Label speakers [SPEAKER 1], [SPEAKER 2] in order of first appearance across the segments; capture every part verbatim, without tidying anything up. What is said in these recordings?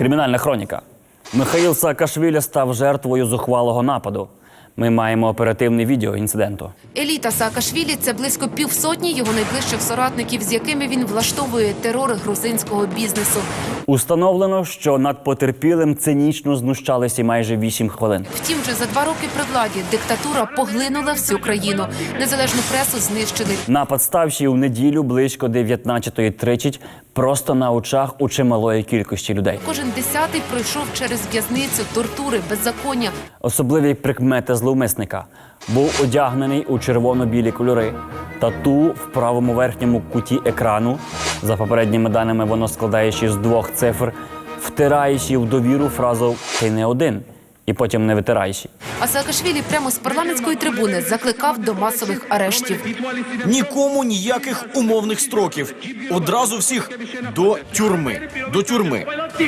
[SPEAKER 1] Кримінальна хроніка. Михаїл Саакашвілі став жертвою зухвалого нападу. Ми маємо оперативне відео інциденту.
[SPEAKER 2] Еліта Саакашвілі – це близько півсотні його найближчих соратників, з якими він влаштовує терор грузинського бізнесу.
[SPEAKER 1] Установлено, що над потерпілим цинічно знущалися майже вісім хвилин.
[SPEAKER 2] Втім, вже за два роки при владі диктатура поглинула всю країну. Незалежну пресу знищили.
[SPEAKER 1] Напад стався у неділю близько дев'ятнадцятої тридцять просто на очах у чималої кількості людей.
[SPEAKER 2] Кожен десятий пройшов через в'язницю, тортури, беззаконня.
[SPEAKER 1] Особливі прикмети зловмисника. Був одягнений у червоно-білі кольори. Тату в правому верхньому куті екрану. За попередніми даними, воно складаючи з двох цифр, втираючи в довіру фразу «ти не один» і потім не витираючи.
[SPEAKER 2] А Саакашвілі прямо з парламентської трибуни закликав до масових арештів.
[SPEAKER 3] Нікому ніяких умовних строків. Одразу всіх до тюрми. До тюрми.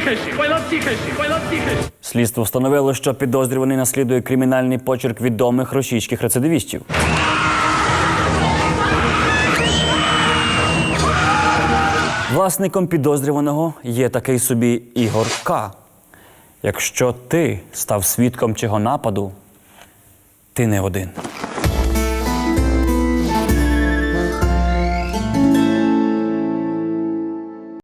[SPEAKER 1] Слідство встановило, що підозрюваний наслідує кримінальний почерк відомих російських рецидивістів. Власником підозрюваного є такий собі Ігор К. Якщо ти став свідком цього нападу, ти не один.